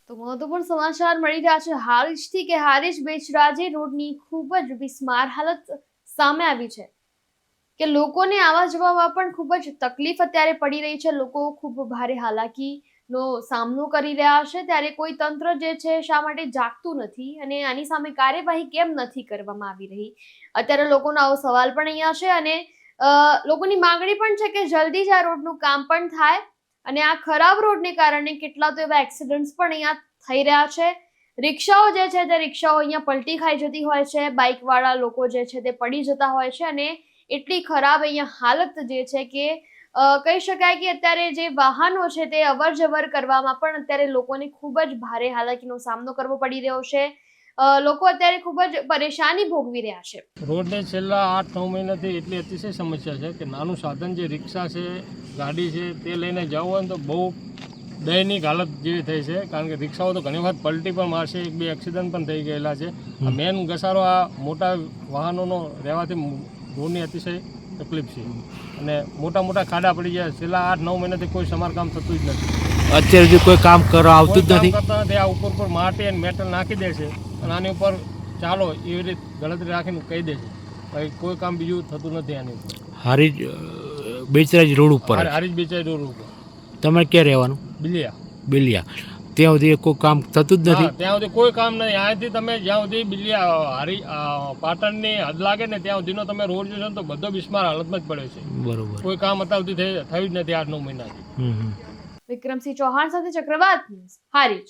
તો મહત્વપૂર્ણ સમાચાર મળી રહ્યા છે હારીજથી કે હારીજ બેચરાજી રોડની ખૂબ જ બિસ્માર હાલત સામે આવી છે કે લોકોને આવવા જવામાં પણ ખૂબ જ તકલીફ અત્યારે પડી રહી છે। લોકો ખૂબ ભારે હાલાકીનો સામનો કરી રહ્યા છે ત્યારે કોઈ તંત્ર જે છે શા માટે જાગતું નથી અને આની સામે કાર્યવાહી કેમ નથી કરવામાં આવી રહી, અત્યારે લોકોનો આવો સવાલ પણ અહીંયા છે અને લોકોની માંગણી પણ છે કે જલ્દી જ આ રોડનું કામ પણ થાય અને આ ખરાબ રોડને કારણે કેટલા તો એવા એક્સિડન્ટ્સ પણ અહીંયા થઈ રહ્યા છે। રિક્ષાઓ જે છે તે રિક્ષાઓ અહીંયા પલટી ખાઈ જતી હોય છે, બાઇક વાળા લોકો જે છે તે પડી જતા હોય છે અને એટલી ખરાબ અહીંયા હાલત જે છે કે કહી શકાય કે અત્યારે જે વાહનો છે તે અવર જવર કરવામાં પણ અત્યારે લોકોને ખૂબ જ ભારે હાલાકીનો સામનો કરવો પડી રહ્યો છે। લોકો અત્યારે ખૂબ જ પરેશાની ભોગવી રહ્યા છે। રોડને છેલ્લા 8-9 મહિનાથી એટલી અતિશય સમસ્યા છે કે નાનું સાધન જે રિક્ષા છે, ગાડી છે તે લઈને જવું હોય ને તો બહુ દયનીય હાલત જેવી થઈ છે, કારણ કે રિક્ષાઓ તો ઘણી વખત પલટી પણ મારશે, 1-2 એક્સિડન્ટ પણ થઈ ગયેલા છે। આ મેન ઘસારો આ મોટા વાહનોનો રહેવાથી રોડની અતિશય તકલીફ છે અને મોટા મોટા ખાડા પડી જાય। છેલ્લા 8-9 મહિનાથી કોઈ સમારકામ થતું જ નથી। અત્યારે જે કોઈ કામ કરવા આવતું જ નથી કરતા નથી। આ ઉપર માટી અને મેટલ નાખી દે છે અને આની ઉપર ચાલો એવી રીતે ગણતરી રાખીને કહી દે છે, ભાઈ કોઈ કામ બીજું થતું નથી આની ઉપર। હારીજ બેચરાજી રોડ ઉપર હારીજ બેચરાજી રોડ ઉપર તમે ક્યાં રહેવાનું? બિલિયા ત્યાં સુધી કોઈ કામ થતું જ નથી? ત્યાં સુધી કોઈ કામ નથી। અહીંયાથી તમે જ્યાં સુધી બિલિયા પાટણની હદ લાગે ને ત્યાં સુધીનો તમે રોડ જોશો તો બધો બિસ્માર હાલતમાં જ પડ્યો છે। બરોબર, કોઈ કામ અત્યાર સુધી થયું જ નથી 8-9 મહિનાથી। વિક્રમસિંહ ચૌહાણ સાથે ચક્રવાત ન્યૂઝ, હારીજ।